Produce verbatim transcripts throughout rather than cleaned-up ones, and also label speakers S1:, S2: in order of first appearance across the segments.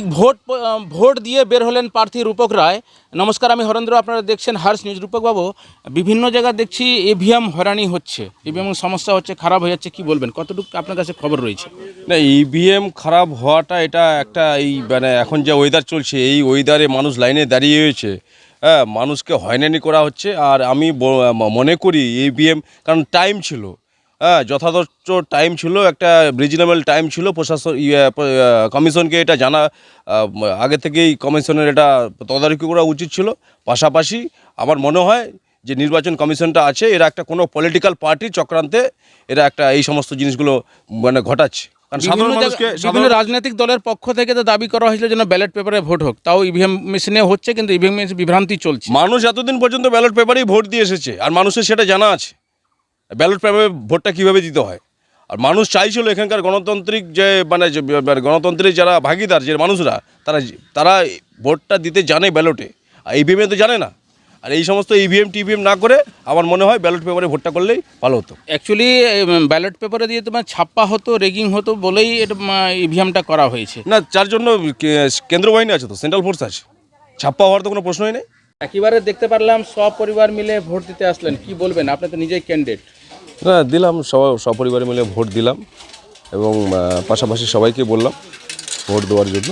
S1: Vote vote দিয়ে বের হলেন প্রার্থী রূপক রায়। নমস্কার, আমি হরেন্দ্র, আপনারা দেখছেন হার্স নিউজ। রূপকবাবু, বিভিন্ন জায়গায় দেখছি ইভিএম হয়রানি হচ্ছে, ইভিএম সমস্যা হচ্ছে, খারাপ হয়ে যাচ্ছে, কি বলবেন? কতটুকু আপনার কাছে খবর রয়েছে?
S2: না, ইভিএম খারাপ হওয়াটা এটা একটা এই মানে এখন যে ওয়েদার চলছে, এই ওয়েদারে মানুষ লাইনে দাঁড়িয়ে হয়েছে, হ্যাঁ, মানুষকে হয়রানি করা হচ্ছে। আর আমি মনে করি ইভিএম, কারণ টাইম ছিল, হ্যাঁ, যথাযথ টাইম ছিল, একটা রিজনেবল টাইম ছিল। প্রশাসন কমিশনকে এটা জানা আগে থেকেই কমিশনের এটা তদারকি করা উচিত ছিল। পাশাপাশি আমার মনে হয় যে নির্বাচন কমিশনটা আছে, এরা একটা কোনো পলিটিক্যাল পার্টি চক্রান্তে এরা একটা এই সমস্ত জিনিসগুলো মানে ঘটাচ্ছে।
S1: বিভিন্ন রাজনৈতিক দলের পক্ষ থেকে তো দাবি করা হয়েছিল যেন ব্যালট পেপারে ভোট হোক, তাও ইভিএম মেশিনে হচ্ছে, কিন্তু ইভিএম মেশিন বিভ্রান্তি চলছে।
S2: মানুষ এতদিন পর্যন্ত ব্যালট পেপারেই ভোট দিয়ে এসেছে, আর মানুষের সেটা জানা আছে ব্যালট পেপারে ভোটটা কীভাবে দিতে হয়। আর মানুষ চাইছিল এখানকার গণতান্ত্রিক যে মানে গণতন্ত্রের যারা ভাগিদার যে মানুষরা, তারা তারা ভোটটা দিতে জানে ব্যালটে, আর ইভিএমে তো জানে না। আর এই সমস্ত ইভিএম টিভিএম না করে আমার মনে হয় ব্যালট পেপারে ভোটটা করলেই ভালো হতো।
S1: অ্যাকচুয়ালি ব্যালট পেপারে দিয়ে তোমার ছাপ্পা হতো, রেগিং হতো বলেই এটা ইভিএমটা করা হয়েছে
S2: না, যার জন্য কেন্দ্র বাহিনী আছে, তো সেন্ট্রাল ফোর্স আছে, ছাপ্পা হওয়ার তো কোনো প্রশ্নই নেই।
S1: একেবারে দেখতে পারলাম সব পরিবার মিলে ভোট দিতে আসলেন, কি বলবেন? আপনি তো নিজেই ক্যান্ডিডেট।
S2: না, দিলাম, সব সপরিবারে মিলে ভোট দিলাম, এবং পাশাপাশি সবাইকে বললাম ভোট দেওয়ার জন্য।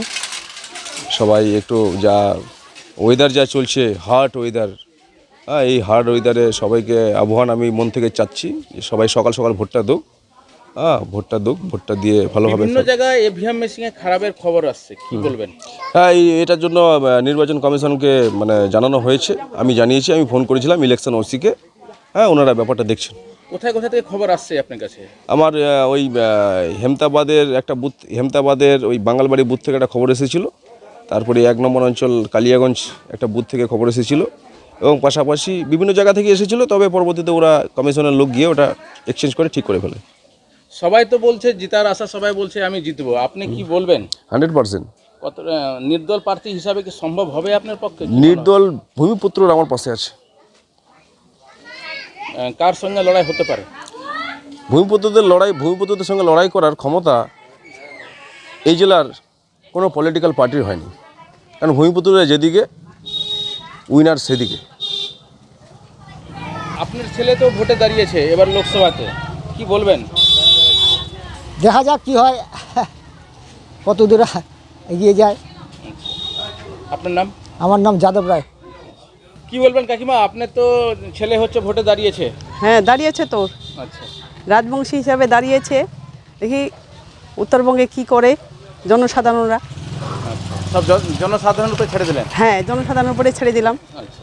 S2: সবাই একটু যা ওয়েদার যা চলছে, হার্ড ওয়েদার, হ্যাঁ, এই হার্ড ওয়েদারে সবাইকে আহ্বান আমি মন থেকে চাচ্ছি যে সবাই সকাল সকাল ভোটটা দোক, হ্যাঁ, ভোটটা দোক, ভোটটা দিয়ে ভালোভাবে।
S1: বিভিন্ন জায়গায় ইভিএম মেশিনে খারাপের খবর আসছে, কি বলবেন?
S2: হ্যাঁ, এই এটার জন্য নির্বাচন কমিশনকে মানে জানানো হয়েছে, আমি জানিয়েছি, আমি ফোন করেছিলাম ইলেকশন ওসিকে, হ্যাঁ, ওনারা ব্যাপারটা দেখছেন।
S1: কোথায় কোথায় থেকে খবর আসছে আপনার কাছে?
S2: আমার ওই হেমতাবাদের একটা বুথ, হেমতাবাদের ওই বাঙালবাড়ি বুথ থেকে একটা খবর এসেছিলো। তারপরে এক নম্বর অঞ্চল কালিয়াগঞ্জ একটা বুথ থেকে খবর এসেছিলো, এবং পাশাপাশি বিভিন্ন জায়গা থেকে এসেছিলো। তবে পরবর্তীতে ওরা কমিশনের লোক গিয়ে ওটা এক্সচেঞ্জ করে ঠিক করে ফেলে।
S1: সবাই তো বলছে জিতার আশা, সবাই বলছে আমি জিতবো, আপনি কি বলবেন?
S2: Hundred percent.
S1: কত নির্দল প্রার্থী হিসাবে কি সম্ভব হবে আপনার পক্ষে?
S2: নির্দল ভূমিপুত্র আমার পাশে আছে।
S1: কার সঙ্গে লড়াই হতে পারে?
S2: ভূমিপুত্রদের লড়াই, ভূমিপুত্রদের সঙ্গে লড়াই করার ক্ষমতা এই জেলার কোনো পলিটিক্যাল পার্টির হয়নি, কারণ ভূমিপুত্ররা যেদিকে উইনার সেদিকে।
S1: আপনার ছেলে তো ভোটে দাঁড়িয়েছে এবার লোকসভাতে, কি বলবেন?
S3: দেখা যাক কি হয়, কত দূরে এগিয়ে যায়।
S1: আপনার নাম?
S3: আমার নাম যাদব রায়।
S1: কি বলবেন কাকিমা, আপনার তো ছেলে হচ্ছে ভোটে দাঁড়িয়েছে?
S4: হ্যাঁ, দাঁড়িয়েছে তো,
S1: আচ্ছা,
S4: রাজবংশী হিসাবে দাঁড়িয়েছে। দেখি উত্তরবঙ্গে কি করে জনসাধারণরা।
S1: আচ্ছা, সব জনসাধারণের উপরে ছেড়ে দিলেন?
S4: হ্যাঁ, জনসাধারণের উপরে ছেড়ে দিলাম।
S1: আচ্ছা,